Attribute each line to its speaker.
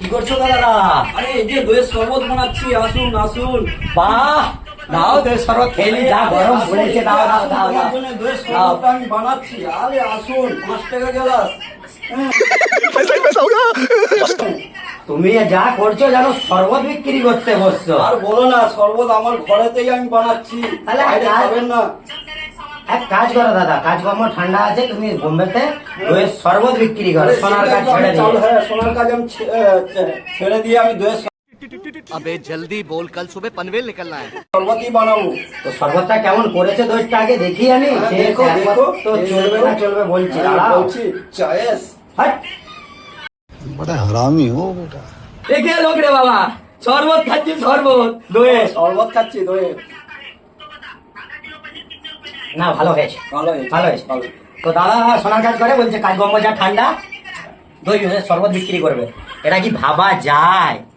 Speaker 1: কি করছো দাদা?
Speaker 2: আরে এই যে দইয়ের শরবত বানাচ্ছি, আসুন আসুন।
Speaker 1: বাহ, দাও দই শরবত খেলি, যা গরম পড়েছে, দাও দাও দাও
Speaker 2: তোমার
Speaker 1: দাও।
Speaker 2: জন্য দইয়ের শরবতটা আমি বানাচ্ছি। আরে আসুন, 5 টাকা গ্লাস।
Speaker 1: তুমি যা করছো জানো, শরবত বিক্রি করতে বসছো।
Speaker 2: আর বলো না, শরবত আমার ঘরেতেই আমি বানাচ্ছি,
Speaker 1: তাহলে
Speaker 2: বাইরে খাবেন না।
Speaker 1: এক কাজ করো দাদা, কাজকর্ম ঠান্ডা আছে, তুমি বোম্বেতে দইয়ের শরবত বিক্রি করো, সোনার কাজ ছেড়ে দিয়ে।
Speaker 2: হ্যাঁ, সোনার কাজ আমি ছেড়ে দিয়ে আমি দইয়ের
Speaker 3: अबे जल्दी बोल, कल सुबह पनवेल निकलना है।
Speaker 2: শরবতই বানাবো।
Speaker 1: তো শরবতটা কেমন করেছে দইটা আগে দেখি আমি।
Speaker 2: হ্যাঁ,
Speaker 1: সে
Speaker 2: দেখো,
Speaker 1: একবার
Speaker 2: দেখো।
Speaker 1: তো চলবে না চলবে বলছি,
Speaker 2: হ্যাঁ,
Speaker 1: দাঁড়াও।
Speaker 2: বলছি চয়েস।
Speaker 1: হাট।
Speaker 4: बड़ा हरामी हो बेटा।
Speaker 1: দেখে লোক রে বাবা, শরবত খাচ্ছি, শরবত দইয়ের।
Speaker 2: শরবত খাচ্ছি দইয়ের।
Speaker 1: না, ভালো হয়েছে,
Speaker 2: ভালো হয়েছে,
Speaker 1: ভালো হয়েছে।
Speaker 2: ভালো।
Speaker 1: তো দাদা সোনার কাজ করে, বলছে কাজকর্ম যা ঠান্ডা, দই শরবত বিক্রি করবে। এটা কি ভাবা যায়?